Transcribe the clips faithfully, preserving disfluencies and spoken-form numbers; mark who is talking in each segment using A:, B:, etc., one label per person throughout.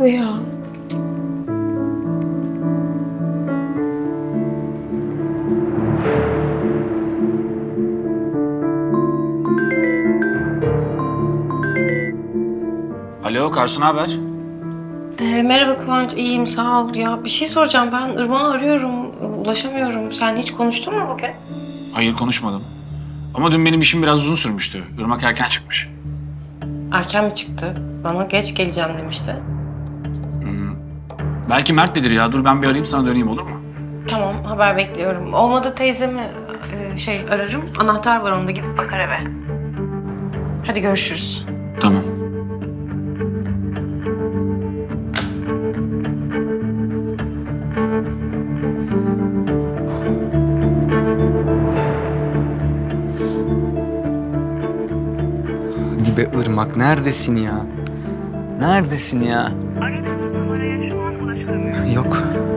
A: bu ya?
B: Alo Karsu, ne haber?
A: Ee, merhaba Kıvanç, iyiyim sağ ol. Ya bir şey soracağım, ben Irmak'ı arıyorum, ulaşamıyorum. Sen hiç konuştun mu bugün?
B: Hayır, konuşmadım. Ama dün benim işim biraz uzun sürmüştü. Irmak erken çıkmış.
A: Erken mi çıktı? Bana geç geleceğim demişti.
B: Belki Mert'ledir ya. Dur ben bir arayayım, sana döneyim, olur mu?
A: Tamam, haber bekliyorum. Olmadı teyzemi e, şey ararım. Anahtar var onda, gidip bakar eve. Hadi görüşürüz.
B: Tamam.
C: Hadi be Irmak, neredesin ya? Neredesin ya?
D: Aradığınız numaraya şu an ulaşılamıyor.
C: Yok.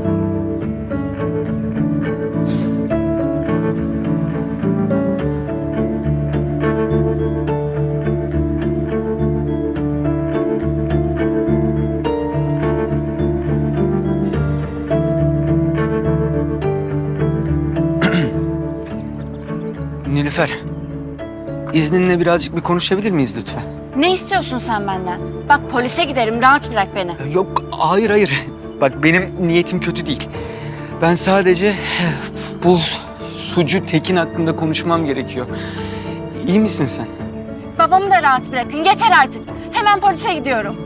C: Nilüfer, izninle birazcık bir konuşabilir miyiz lütfen?
E: Ne istiyorsun sen benden? Bak polise giderim, rahat bırak beni.
C: Yok, hayır hayır. Bak benim niyetim kötü değil. Ben sadece bu sucu Tekin hakkında konuşmam gerekiyor. İyi misin sen?
E: Babamı da rahat bırakın, yeter artık. Hemen polise gidiyorum.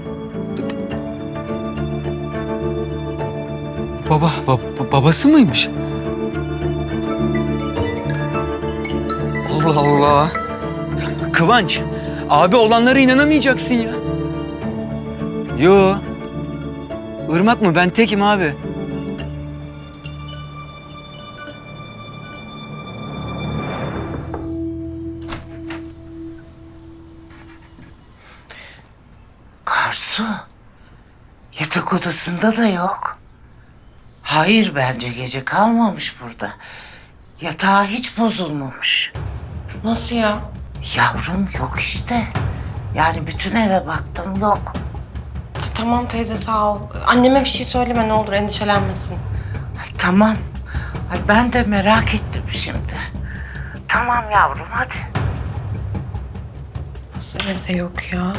C: Baba, bab- babası mıymış? Allah Allah. Kıvanç, abi olanlara inanamayacaksın ya. Yo. Irmak mı? Ben tekim abi.
F: Karsu, yatak odasında da yok. Hayır, bence gece kalmamış burada. Yatağı hiç bozulmamış.
A: Nasıl ya?
F: Yavrum yok işte. Yani bütün eve baktım, yok.
A: T- Tamam teyze sağ ol. Anneme bir şey söyleme ne olur, endişelenmesin.
F: Ay, tamam. Ay, ben de merak ettim şimdi. Tamam yavrum, hadi.
A: Nasıl evde yok ya?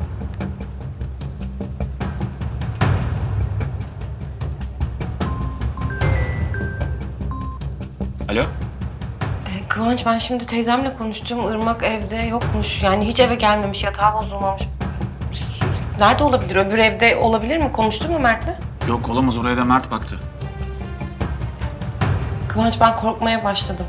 B: Alo?
A: Ee, Kıvanç, ben şimdi teyzemle konuştum. Irmak evde yokmuş. Yani hiç eve gelmemiş, yatağı bozulmamış. Nerede olabilir? Öbür evde olabilir mi? Konuştun mu Mert'le?
B: Yok, olamaz. Oraya da Mert baktı.
A: Kıvanç, ben korkmaya başladım.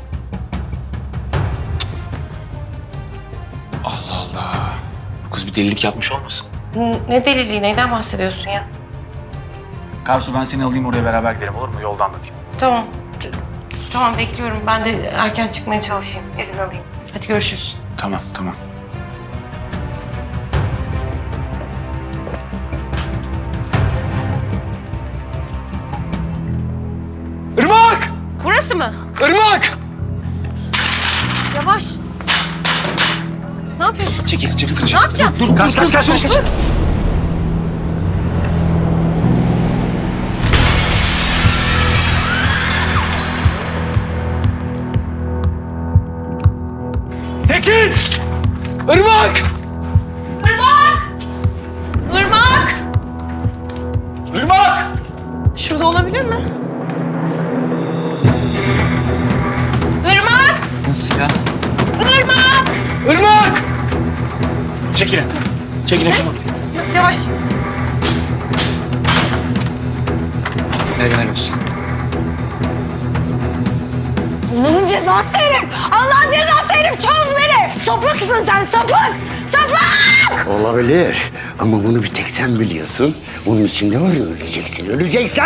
B: Allah Allah. Bu kız bir delilik yapmış olmasın?
A: N- Ne deliliği, neyden bahsediyorsun ya?
B: Karsu, ben seni alayım, oraya beraber gidelim, olur mu? Yolda anlatayım.
A: Tamam. T- Tamam, bekliyorum. Ben de erken çıkmaya çalışayım. İzin alayım. Hadi görüşürüz.
B: Tamam, tamam.
C: Irmak!
A: Burası mı?
C: Irmak!
A: Yavaş. Ne yapıyorsun?
B: Çekil, çekil. Kıracağım.
A: Ne yapacağım?
B: Dur, kaç, kaç, kaç, kaç, kaç.
C: Tekin! Irmak!
A: Irmak!
C: Irmak!
A: Şurada olabilir mi? Irmak!
C: Nasıl ya?
A: Irmak!
C: Irmak!
B: Çekilin. Çekilin.
A: Yavaş.
C: Helal olsun.
G: Allah'ın cezası herif! Allah'ın cezası herif! Çöz beni! Sapıksın sen, sapık! Sapık!
H: Olabilir ama bunu bir tek sen biliyorsun. Bunun içinde var ya, öleceksin, öleceksin.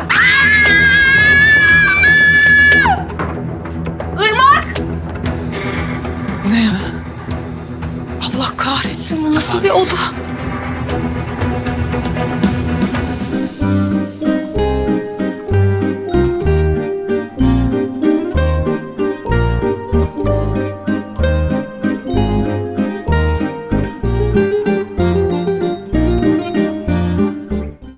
A: Irmak!
C: Bu ne ya?
A: Allah kahretsin, bu nasıl bir oda?